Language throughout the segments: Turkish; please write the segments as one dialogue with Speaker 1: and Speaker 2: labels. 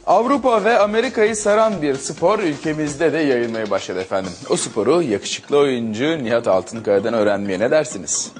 Speaker 1: Avrupa ve Amerika'yı saran bir spor ülkemizde de yayılmaya başladı efendim. O sporu yakışıklı oyuncu Nihat Altınkaya'dan öğrenmeye ne dersiniz?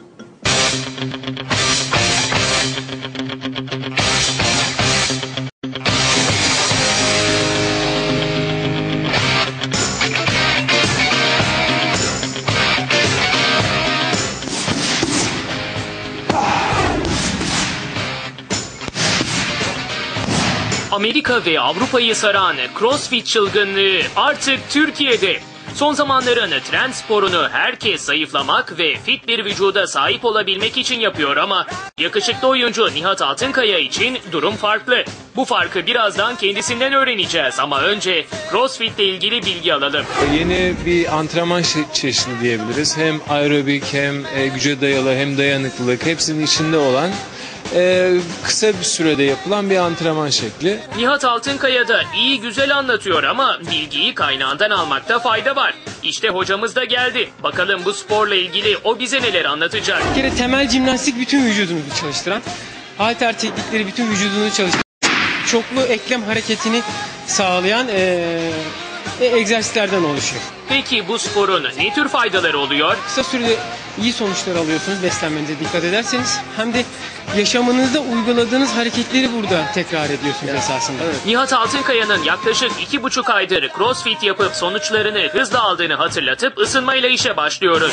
Speaker 2: Amerika ve Avrupa'yı saran CrossFit çılgınlığı artık Türkiye'de. Son zamanların trend sporunu herkes zayıflamak ve fit bir vücuda sahip olabilmek için yapıyor ama yakışıklı oyuncu Nihat Altınkaya için durum farklı. Bu farkı birazdan kendisinden öğreneceğiz ama önce CrossFit ile ilgili bilgi alalım.
Speaker 3: Yeni bir antrenman çeşidi diyebiliriz. Hem aerobik hem güce dayalı hem dayanıklılık hepsinin içinde olan kısa bir sürede yapılan bir antrenman şekli.
Speaker 2: Nihat Altınkaya da iyi güzel anlatıyor ama bilgiyi kaynağından almakta fayda var. İşte hocamız da geldi. Bakalım bu sporla ilgili o bize neler anlatacak.
Speaker 4: Bir kere temel jimnastik bütün vücudunu çalıştıran, halter teknikleri bütün vücudunu çalıştıran, çoklu eklem hareketini sağlayan egzersizlerden oluşuyor.
Speaker 2: Peki bu sporun ne tür faydaları oluyor?
Speaker 4: Kısa sürede iyi sonuçlar alıyorsunuz beslenmenize dikkat ederseniz. Hem de yaşamınızda uyguladığınız hareketleri burada tekrar ediyorsunuz esasında. Evet.
Speaker 2: Nihat Altınkaya'nın yaklaşık 2,5 aydır CrossFit yapıp sonuçlarını hızla aldığını hatırlatıp ısınmayla işe başlıyoruz.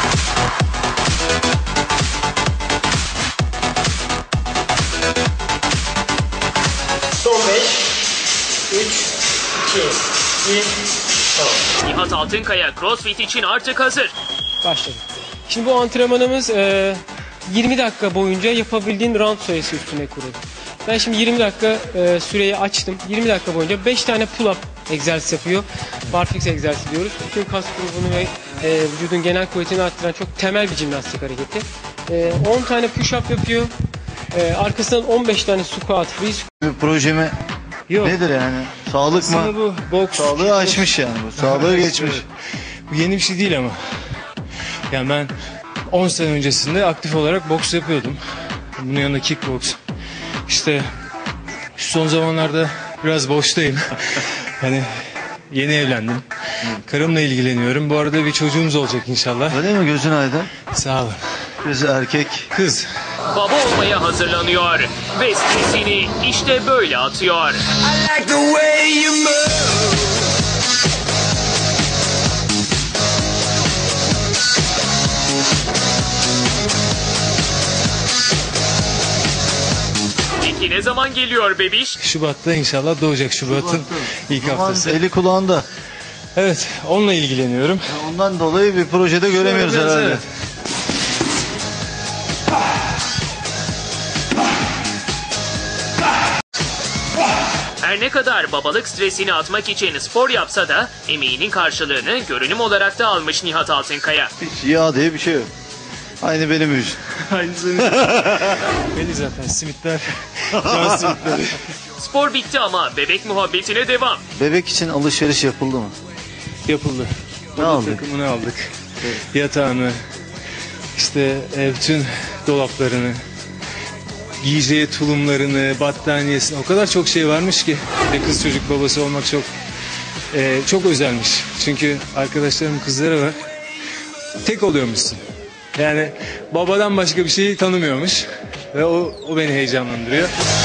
Speaker 4: Son 5, 3, 2, 1, tamam.
Speaker 2: Nihat Altınkaya CrossFit için artık hazır.
Speaker 4: Başladık. Şimdi bu antrenmanımız 20 dakika boyunca yapabildiğin round sayısı üstüne kurulu. Ben şimdi 20 dakika süreyi açtım. 20 dakika boyunca 5 tane pull-up egzersiz yapıyor. Barfix egzersiz diyoruz. Bütün kas grubunu ve vücudun genel kuvvetini arttıran çok temel bir jimnastik hareketi. 10 tane push-up yapıyor. Arkasından 15 tane squat, free squat.
Speaker 5: Projemi
Speaker 3: Yok.
Speaker 5: nedir yani? Sağlık mı?
Speaker 3: Bu boks.
Speaker 5: Sağlığı aşmış yani bu. Sağlığı geçmiş.
Speaker 3: Bu yeni bir şey değil ama. Yani ben 10 sene öncesinde aktif olarak boks yapıyordum. Bunun yanında kickboks. İşte şu son zamanlarda biraz boştayım. Hani yeni evlendim. Karımla ilgileniyorum. Bu arada bir çocuğumuz olacak inşallah.
Speaker 5: Öyle mi? Gözün aydın.
Speaker 3: Sağ olun.
Speaker 5: Kız erkek.
Speaker 3: Kız.
Speaker 2: Baba olmaya hazırlanıyor ve stresini işte böyle atıyor. Peki ne zaman geliyor bebiş?
Speaker 3: Şubat'ta inşallah doğacak. Şubat'ın ilk haftası.
Speaker 5: Eli kulağında.
Speaker 3: Evet, onunla ilgileniyorum.
Speaker 5: Ondan dolayı bir projede göremiyoruz
Speaker 3: Biraz,
Speaker 5: herhalde.
Speaker 3: evet.
Speaker 2: Her ne kadar babalık stresini atmak için spor yapsa da emeğinin karşılığını görünüm olarak da almış Nihat Altınkaya.
Speaker 5: Hiç yağ diye bir şey yok. Aynı benim yüz.
Speaker 3: Aynısı. Beni zaten simitler. Can simitleri.
Speaker 2: Spor bitti ama bebek muhabbetine devam.
Speaker 5: Bebek için alışveriş yapıldı mı?
Speaker 3: Yapıldı.
Speaker 5: Ne
Speaker 3: Oda
Speaker 5: aldık?
Speaker 3: takımını aldık. Yatağını, işte bütün dolaplarını, giyeceği tulumlarını, battaniyesini, o kadar çok şey varmış ki. Bir de kız çocuk babası olmak çok özelmiş. Çünkü arkadaşlarımın kızları var. Tek oluyormuşsun. Yani babadan başka bir şeyi tanımıyormuş. Ve o beni heyecanlandırıyor.